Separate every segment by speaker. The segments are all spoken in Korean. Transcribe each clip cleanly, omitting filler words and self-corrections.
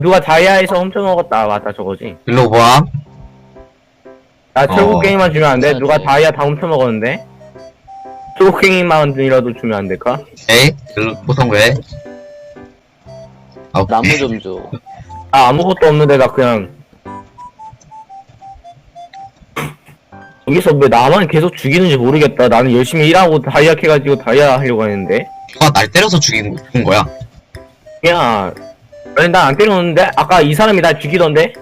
Speaker 1: 누가 다이아에서 훔쳐먹었다. 맞다, 저거지.
Speaker 2: 일로 와.
Speaker 1: 나 철국 게임만 주면 안 돼?
Speaker 3: 해야지.
Speaker 1: 누가 다이아 다 훔쳐먹었는데? 철국 게임만이라도 주면 안 될까?
Speaker 2: 에이, 일로 보통 왜? 아,
Speaker 3: 나무 좀 줘.
Speaker 1: 아, 아무것도 없는데, 나 그냥. 여기서 왜 나만 계속 죽이는지 모르겠다. 나는 열심히 일하고 다이아 캐가지고 다이아 하려고 했는데.
Speaker 2: 누가 날 때려서 죽인 거야.
Speaker 1: 그냥, 아니, 난 안 때렸는데? 아까 이 사람이 날 죽이던데?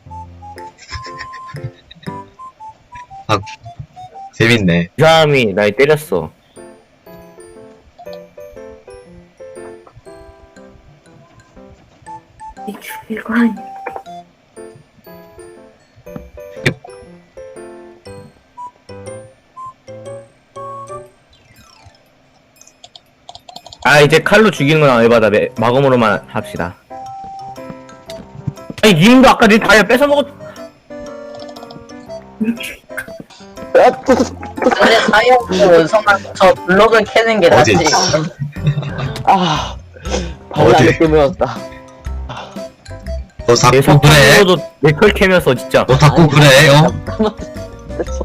Speaker 2: 아, 재밌네.
Speaker 1: 이 사람이 날 때렸어.
Speaker 4: 이 죽일 거 아니야.
Speaker 1: 아, 이제 칼로 죽이는 건 안 해봐다. 마검으로만 합시다. 아니, 님도 아까 내 다이아 뺏어먹었.
Speaker 5: 근데 사이언스 원성한 저 블록을 캐는 게
Speaker 2: 어디?
Speaker 5: 낫지.
Speaker 3: 아, 발을
Speaker 2: 어디?
Speaker 3: 안 깨물었다.
Speaker 2: 너 자꾸
Speaker 1: 내
Speaker 2: 그래?
Speaker 1: 석탄으로도 내컬 캐면서 진짜.
Speaker 2: 너 자꾸 그래?
Speaker 3: 됐어.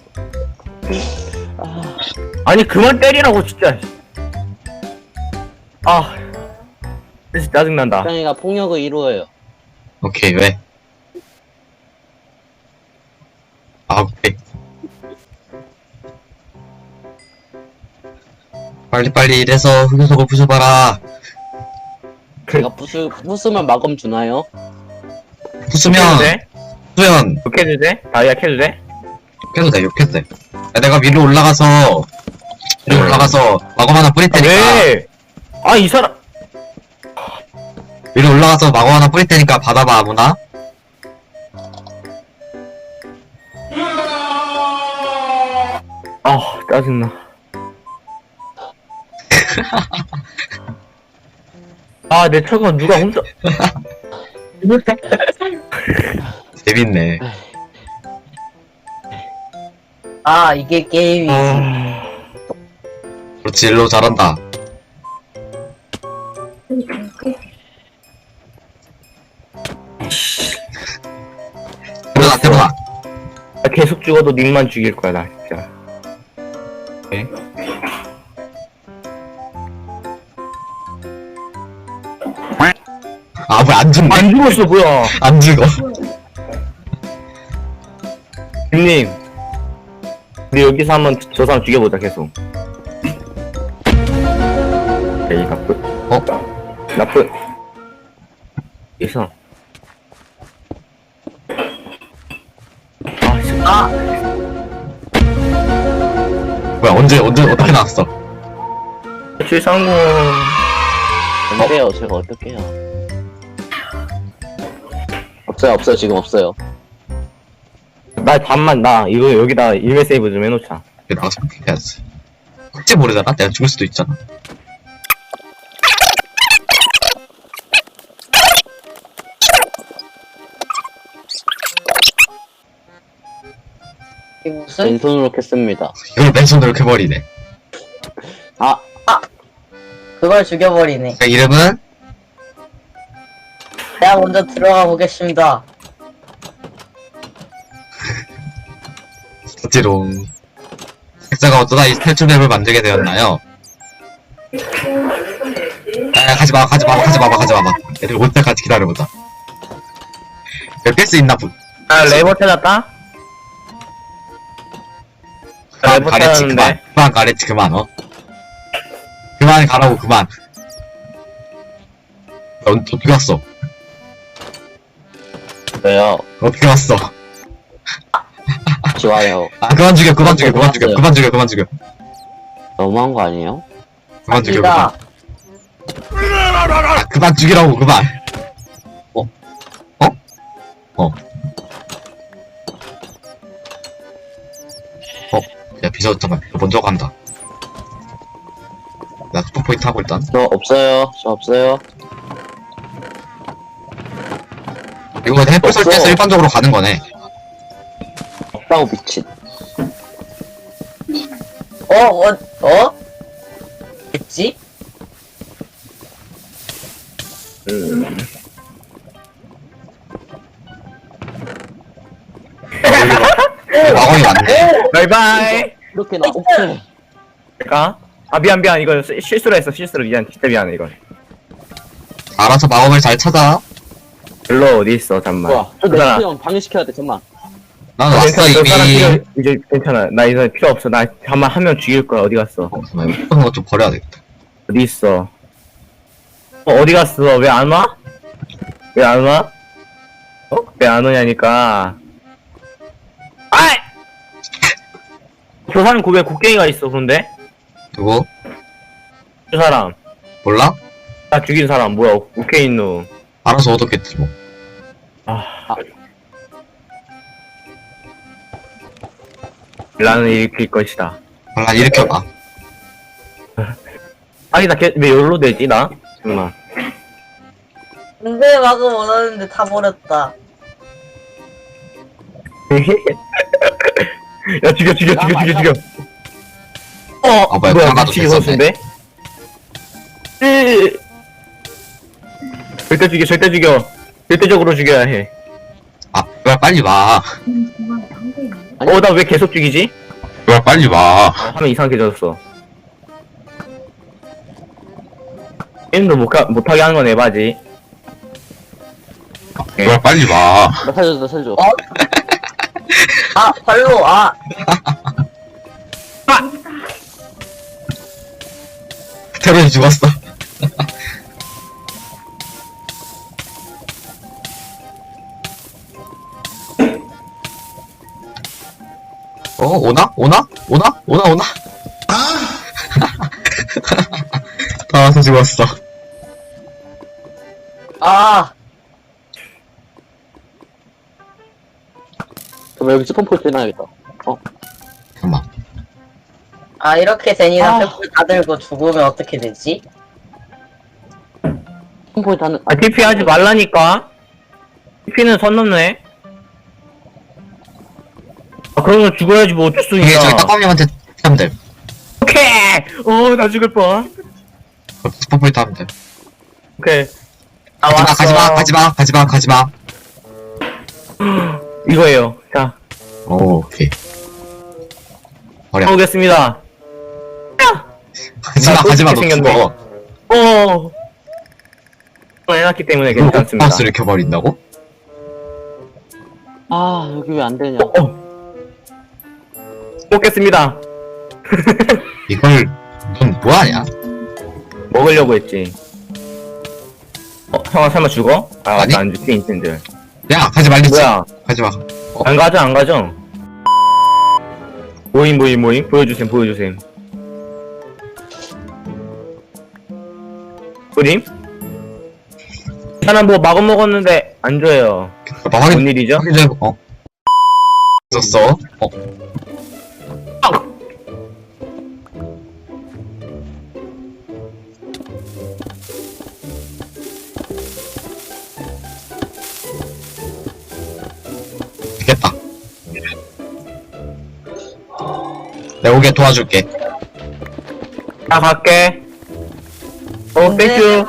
Speaker 1: 아니, 그만 때리라고, 진짜. 아, 진짜 짜증난다.
Speaker 3: 장이가 폭력을 이루어요.
Speaker 2: 오케이, 왜? 아, 오케이. 빨리빨리 일해서 흑요석을 부숴봐라.
Speaker 3: 제가 부수면 마검 주나요?
Speaker 2: 부수면,
Speaker 1: 돼?
Speaker 2: 부수면,
Speaker 1: 욕해도 돼? 다이아 캐도 돼?
Speaker 2: 욕해도 돼, 욕해도 돼. 야, 내가 위로 올라가서 마검 하나 뿌릴 테니까.
Speaker 1: 왜? 아, 이 사람.
Speaker 2: 위로 올라가서 마검 하나 뿌릴 테니까 받아봐, 아무나.
Speaker 1: 아, 짜증나. 아, 내 철권 누가 훔쳐.
Speaker 2: 재밌네.
Speaker 5: 아 이게 게임이.
Speaker 1: 아,
Speaker 2: 그렇지, 일로 잘한다. 들어가.
Speaker 1: 나 계속 죽어도 님만 죽일 거야, 나 진짜. 네?
Speaker 2: 아, 왜 안 죽네?
Speaker 1: 안 죽었어, 뭐야.
Speaker 2: 안 죽어.
Speaker 1: 님님. 우리 여기서 한번 저 사람 죽여보자, 계속. 에이, 나쁜. 나쁜. 여기서. 아, 진짜.
Speaker 2: 뭐야, 언제, 어떻게 나왔어?
Speaker 1: 실상공.
Speaker 3: 안 돼요. 제가 어떻게 해요? 없어요. 지금 없어요.
Speaker 1: 나 잠만, 나 이거 여기다 일회 세이브 좀 해놓자.
Speaker 2: 나가서 해야지. 혹시 모르잖아? 내가 죽을 수도 있잖아.
Speaker 5: 이게 무슨?
Speaker 3: 왼손으로 캤습니다.
Speaker 2: 이걸 맨손으로 이렇게 버리네.
Speaker 5: 그걸 죽여버리네.
Speaker 2: 그 이름은?
Speaker 5: 제가 먼저 들어가 보겠습니다.
Speaker 2: 어찌롱. 작자가 어쩌다 이 탈출맵을 만들게 되었나요? 아, 가지마. 애들 올 때까지 기다려보자. 이거 깰 수 있나 보.
Speaker 1: 아, 레버 찾았다? 레버
Speaker 2: 가래치
Speaker 1: 찾았는데.
Speaker 2: 그만 가래치 그만, 그만 가라고, 그만. 너 어떻게 왔어?
Speaker 3: 왜요?
Speaker 2: 어떻게 왔어?
Speaker 3: 좋아요.
Speaker 2: 아, 그만 죽여.
Speaker 3: 너무한 거 아니에요?
Speaker 2: 그만 죽여.
Speaker 5: 갑니다.
Speaker 2: 아, 그만 죽이라고, 그만. 야, 비서, 잠깐, 먼저 간다. 나 스포포인트 하고 일단.
Speaker 3: 저 없어요.
Speaker 2: 이거 햇불
Speaker 3: 없어.
Speaker 2: 설치해서 일반적으로 가는 거네.
Speaker 3: 없다고 미친.
Speaker 5: 됐지?
Speaker 2: 사람이 많네.
Speaker 1: 바이바이.
Speaker 3: 이렇게 나 오케이.
Speaker 1: 가. 아 미안 이거 실수로 했어 실수로 미안 진짜 미안해 이거.
Speaker 2: 알아서 마법을 잘 찾아.
Speaker 1: 별로 어디 있어 잠만.
Speaker 3: 뭐야? 저
Speaker 1: 괜찮아.
Speaker 3: 넥스 형 방해시켜야 돼 잠만.
Speaker 2: 난 왔어,
Speaker 1: 괜찮아, 저 사람
Speaker 2: 이미.
Speaker 1: 이제 괜찮아. 나 이제 필요 없어. 나 잠만 한 명 죽일 거야. 어디 갔어?
Speaker 2: 잠깐만, 이거 푸는 거좀 버려야 되겠다.
Speaker 1: 어디 있어? 어디 갔어? 왜 안 와? 왜 안 와? 왜 안 오냐니까. 아이! 저 사람 왜 곡괭이가 있어, 근데?
Speaker 2: 누구?
Speaker 1: 저 사람.
Speaker 2: 몰라?
Speaker 1: 나 죽인 사람, 뭐야, 곡괭이 놈.
Speaker 2: 알아서 얻었겠지, 뭐.
Speaker 1: 나는 일으킬 것이다.
Speaker 2: 몰라, 일으켜봐.
Speaker 1: 아니, 왜 여기로 되지, 나? 정말.
Speaker 5: 근데 막을 원하는데 다 버렸다.
Speaker 1: 야, 죽여.
Speaker 2: 아, 뭐야, 강화도
Speaker 1: 미치기
Speaker 2: 됐었네.
Speaker 1: 선수인데? 절대 죽여. 절대적으로 죽여야 해.
Speaker 2: 아, 왜 빨리 와.
Speaker 1: 나 왜 계속 죽이지?
Speaker 2: 왜 빨리 와.
Speaker 1: 화면 이상하게 졌어. 게임도 못하게 하는 건 에바지.
Speaker 2: 왜 빨리 와.
Speaker 3: 나 살려줘.
Speaker 5: 아, 발로, 아.
Speaker 2: 테러이 죽었어. 오나? 다 와서 죽었어.
Speaker 5: 아,
Speaker 3: 그럼 여기 스폰 포인트 해놔야겠다.
Speaker 2: 잠깐만.
Speaker 5: 아, 이렇게 제니랑 횃불 다 들고 죽으면 어떻게 되지?
Speaker 3: 스폰 포인트 하는.
Speaker 1: TP 하지 말라니까. TP는 선 넘네. 그러면 죽어야지 뭐 어쩔 수
Speaker 2: 이게 저기
Speaker 1: 있냐.
Speaker 2: 딱밤님한테 하면 돼.
Speaker 1: 오케이! 나 죽을 뻔.
Speaker 2: 스포포인트 하면 돼.
Speaker 1: 오케이.
Speaker 2: 가지마.
Speaker 1: 이거예요. 자,
Speaker 2: 오케이. 버려.
Speaker 1: 가보겠습니다.
Speaker 2: 가지마, 너
Speaker 1: 솔직히
Speaker 2: 죽어.
Speaker 1: 해놨기 때문에 괜찮습니다.
Speaker 2: 박스를 켜버린다고?
Speaker 3: 아 여기 왜 안 되냐?
Speaker 1: 먹겠습니다.
Speaker 2: 이걸, 넌 뭐하냐?
Speaker 1: 먹으려고 했지. 형아 설마 죽어?
Speaker 2: 아니.
Speaker 1: 안 죽지, 인텐들.
Speaker 2: 야, 가지 말랬지.
Speaker 1: 뭐야?
Speaker 2: 가지마.
Speaker 1: 안 가죠? 모임. 보여주셈. 보림? 나는 뭐 마구 먹었는데 안 줘요.
Speaker 2: 봐, 확인,
Speaker 1: 뭔 일이죠?
Speaker 2: 확인 좀 해보, 있었어. 되겠다. 내가 오게 도와줄게.
Speaker 1: 나 갈게.
Speaker 5: 근데
Speaker 1: 땡큐.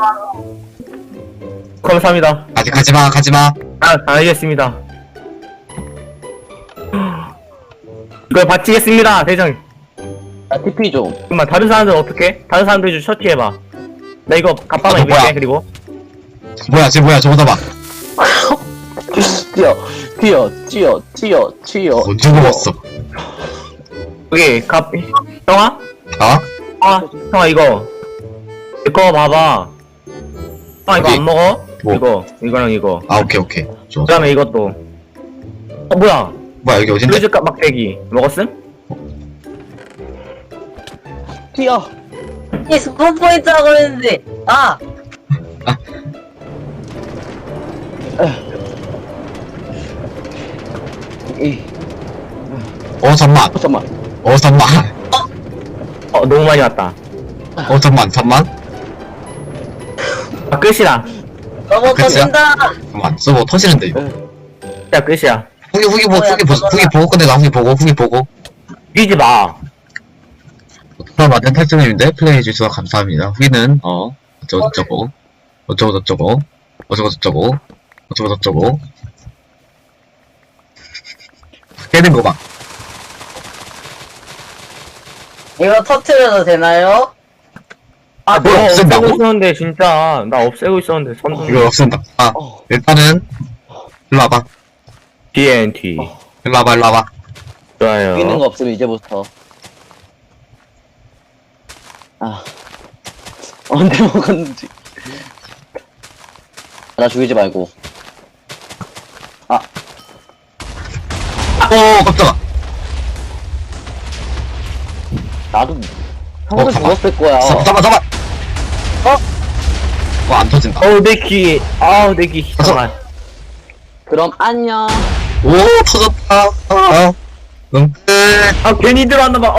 Speaker 1: 감사합니다.
Speaker 2: 아직 가지마.
Speaker 1: 알겠습니다. 이걸 바치겠습니다, 대장.
Speaker 3: 야 TP 좀.
Speaker 1: 잠깐만, 다른 사람들은 어떻게? 다른 사람들 좀 처치해봐. 나 이거 갑바만
Speaker 2: 아, 뭐야?
Speaker 1: 입을게, 그리고.
Speaker 2: 쟤 뭐야, 저거 봐봐.
Speaker 3: 뛰어.
Speaker 2: 언제 먹었어?
Speaker 1: 여기, 형아? 형아, 이거. 이거 봐봐. 형아, 이거
Speaker 2: 어디?
Speaker 1: 안 먹어?
Speaker 2: 뭐?
Speaker 1: 이거랑 이거.
Speaker 2: 오케이. 좋아.
Speaker 1: 그 다음에 이것도. 뭐야?
Speaker 2: 뭐야, 여기 어딘데?
Speaker 1: 블루즈 깍막대기. 먹었음?
Speaker 3: 뛰어.
Speaker 5: 이 스폰 포인트라고 했는데, 아!
Speaker 2: 잠만.
Speaker 3: 잠깐만.
Speaker 1: 너무 많이 왔다.
Speaker 2: 잠만.
Speaker 1: 끝이다.
Speaker 5: 너무
Speaker 2: 그치야?
Speaker 5: 터진다!
Speaker 2: 잠만. 서버 터지는데, 이거.
Speaker 1: 야, 끝이야.
Speaker 2: 후기 보고 끝내자, 후기 보고.
Speaker 1: 뛰지 마.
Speaker 2: 다 맞는 탈정님인데 플레이해주셔서 감사합니다. 후기는 어쩌고 깨는 거 봐.
Speaker 5: 이거 터트려도 되나요?
Speaker 2: 아, 뭘
Speaker 1: 나 없애고
Speaker 2: 없앤다고?
Speaker 1: 있었는데 진짜 나 없애고 있었는데 선동
Speaker 2: 이걸 없앤다. 아,
Speaker 3: 어.
Speaker 2: 일단은, 일로 와봐.
Speaker 1: TNT
Speaker 2: 일로 와봐, 일로 와봐.
Speaker 1: 좋아요.
Speaker 3: 죽이는 거 없으면 이제부터. 아. 언제 먹었는지. 나 죽이지 말고.
Speaker 2: 오, 깜짝아.
Speaker 3: 나도 형도
Speaker 2: 어,
Speaker 3: 죽었을 거야.
Speaker 2: 잡아. 안 터진다.
Speaker 1: 어우 내키 아우 내키 잠깐만.
Speaker 3: 그럼 안녕.
Speaker 2: 오, 터졌다. 너무 끝.
Speaker 1: 아 괜히 들어왔나봐.